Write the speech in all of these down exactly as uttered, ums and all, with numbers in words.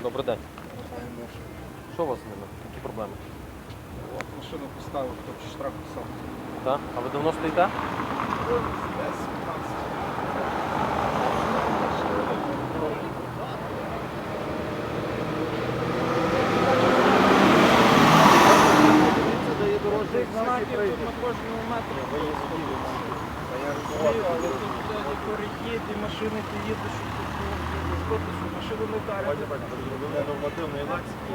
Добрий день. Що у вас з ними? Які проблеми? От, машину поставив, хто штраф писав. Так? А ви давно стоїте? десять п'ятнадцять. Цих знаків тут на кожному метрі. Ви є згідні. Я розумію, але тут де перехід і машини ти їдеш, що машину не вдарять. Нормативний лексики.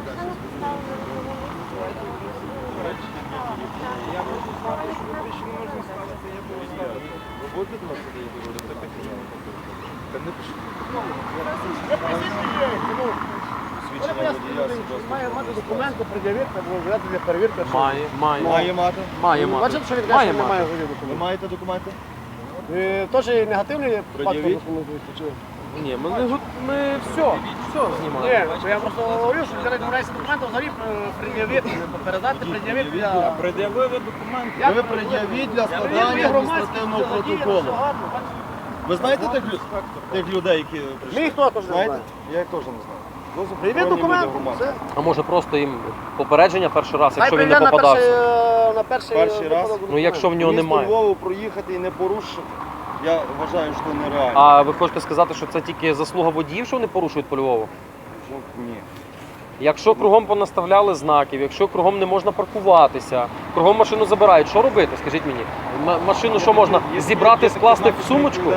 Я можу знати, що тут більше не можна ставити, я буду ставити. Ви будете до нас сюди говорити? Це технічно. Та не пишіть. Свідчення водія, свідоцтво. Має мати документи, пред'явити, або взяти для перевірки. що- Має, має. Має мати. Має мати. Бачите, що він Має каже, що немає мати. голів Ви документів. маєте документи? Ви теж негативний фактор Пред'явіть. документуєте? Чи? Ні, ми, не го- ми все, все знімаємо. Ні, то я просто говорю, що взяли домовляються документи, взагалі е, пред'явити, не передати, пред'явити для... Пред'явили документи. Як Ви пред'явити? пред'явіть для Я складання пред'явив громадські, адміністративного все задіяно, протоколу. все гарно, бачите? Ви знаєте тих, лю- тих людей, які прийшли? Ми їх теж не Знаєте? знаємо. Я їх теж не знаю. Ну, Привіт заборонені документи, люди громадські. все. А може просто їм попередження перший раз, Хай якщо він не прийде на перший, попадався? е, на перший, Перший е, раз? випадок Ну якщо в нього Місто немає. Львову проїхати і не порушити, я вважаю, що нереально. А ви хочете сказати, що це тільки заслуга водіїв, що вони порушують по Львову? Ну, ні. Якщо кругом понаставляли знаків, якщо кругом не можна паркуватися, кругом машину забирають, що робити, скажіть мені? М- машину що можна зібрати, скласти в сумочку?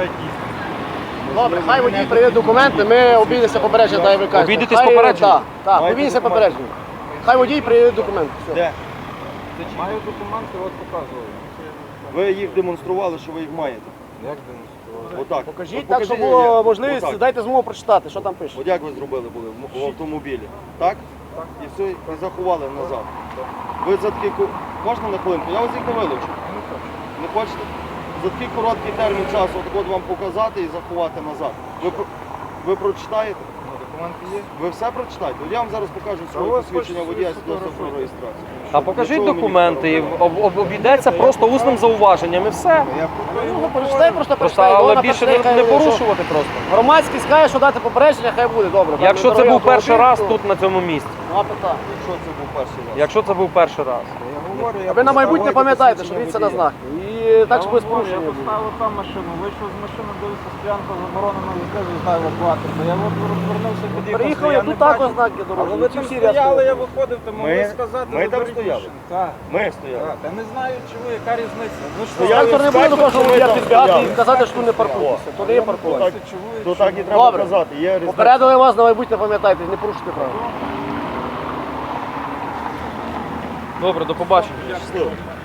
Добре, хай водій приведе документи, ми обійдемося попередження, так і ви кажете. Обійдетесь Хай- попередження? Так, так, Маєте обійдемося документи? попередження. Хай водій приведе документи. Все. Де? Маю документи, от показую. Ви їх демонстрували, що ви їх маєте. Як демонструвати? Отак. Покажіть От так, щоб покажіть, було як. можливість, Отак. дайте змогу прочитати, що там пише. От як ви зробили були в м- в автомобілі? Так? Так. І все, і заховали назад. Ви за такий ку- можна на хвилинку? Я вас їх не вилучу. Не хочу. Не хочете? За такий короткий термін часу от от вам показати і заховати назад. Ви, про- ви прочитаєте? Ну, документи є. Ви все прочитаєте? От я вам зараз покажу А своє у вас посвідчення хочеться водія собі свідоцтво про сфотографуйте. реєстрацію. А покажіть Для чого мені документи, і фотографувати? об- об- обійдеться просто усним зауваженням і все. Я Ну, прочитай, просто Просто, прочитай. але Вона більше прочитай, не, не хай, що порушувати просто. Громадський скаже, що дати попередження, хай буде, добре. Якщо це Дорогий був перший автомобіль, раз то тут на цьому місці. нема питань. Якщо це був перший раз. Якщо це був перший раз. Я говорю, я А ви на майбутнє поставив пам'ятаєте, що посвідчення дивіться на водія. знаки. І так, щоб без Я порушення. Я поставив там машину, вийшов з машини, дивився, стоянка заборонена, відкрив, знаю евакуатор. Я от розвернувся, під'їхав. Приїхав, я я не тут також бачив. знаки Але дорожні. ви Ці там всі стояли, ряд я виходив, то могли Ми- сказати, ми там заберіть стояли? машину. Так, Ми стояли. так. Я не знаю, чому, яка різниця. Ну що, Стояли. Трактор не буде скажете, до того, що що ви я там підбігати стояли. і казати, що тут не паркуйтеся. То не є паркування. Так, чому, То так і треба Добре. казати. Є різниця. Попередили вас, на майбутнє пам'ятайте, не порушуйте правила. Добре, до побачення. Щасливо.